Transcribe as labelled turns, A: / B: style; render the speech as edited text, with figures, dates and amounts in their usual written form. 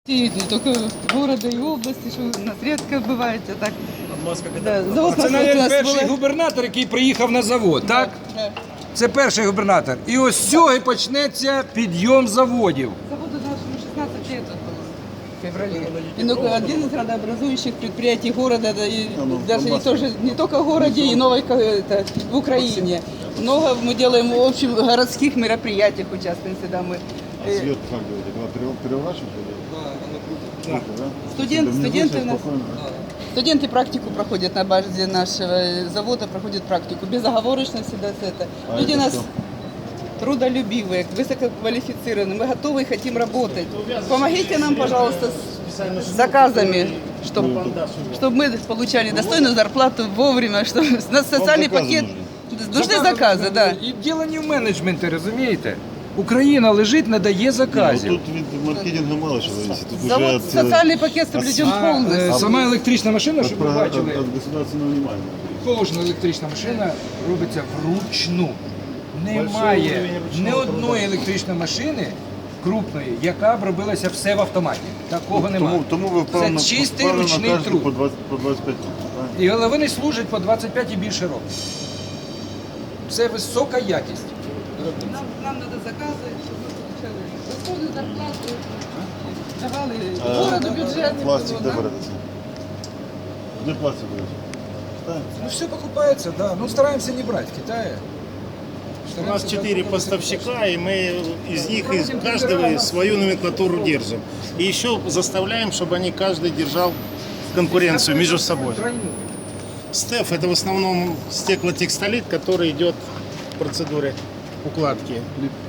A: Не только города и области, что у нас редко бывает, а так. Да, завод
B: Це,
A: у
B: навіть,
A: нас
B: перший
A: була-
B: губернатор, який приїхав на завод, так?
A: Да.
B: Це перший губернатор. І ось з цього і почнеться підйом заводів.
A: Заводу нашему 16 лет было в феврале. И ну, один из градообразующих предприятий города, да, и даже и тоже, не только в городе, и новой, это, в Украине. Много мы делаем, в общем, городских мероприятиях участвуем всегда мы.
C: Свет как говорит, это переворачивать?
B: Да.
A: Студенты у нас. Студенты практику проходят на базе нашего завода, проходят практику. Безоговорочно всегда с это.
C: А
A: Люди
C: это
A: у нас
C: что?
A: трудолюбивые, высококвалифицированные. Мы готовы и хотим работать. Помогите нам, пожалуйста, с заказами, чтобы мы получали достойную зарплату вовремя, чтобы у нас социальный
C: заказы
A: пакет.
C: нужны.
A: Нужны заказы, да.
B: І діло не в менеджменті, розумієте? Україна лежить, не дає
C: Ну,
B: заказів.
C: тут від маркетингу мало що зависит. Тут
A: Завод,
C: уже от,
A: социальный пакет соблюден полностью.
B: Сама електрична машина,
C: от,
B: щоб ви бачили,
C: от государственного внимания.
B: кожна електрична машина робиться вручну. Немає ні одної електричної машини крупної, яка б робилася все в автоматі. Такого немає.
C: Тому ви впевнено,
B: Це чистий
C: впевнено
B: ручний
C: кажете
B: труд.
C: по 25 років, правильно?
B: І вони служать по 25 і більше років. Це висока якість.
A: Нам надо заказы, чтобы мы получали достойную зарплату, давали городу бюджет.
C: Пластик де береться? Де пластик береться? Китай?
B: Ну все покупается, да. Ну стараемся не брать в Китае.
D: У нас 4 поставщика, и мы из них, из каждого свою номенклатуру держим. И еще заставляем, чтобы они каждый держал конкуренцию между собой. Стеф – это в основном стеклотекстолит, который идет в процедуре укладки.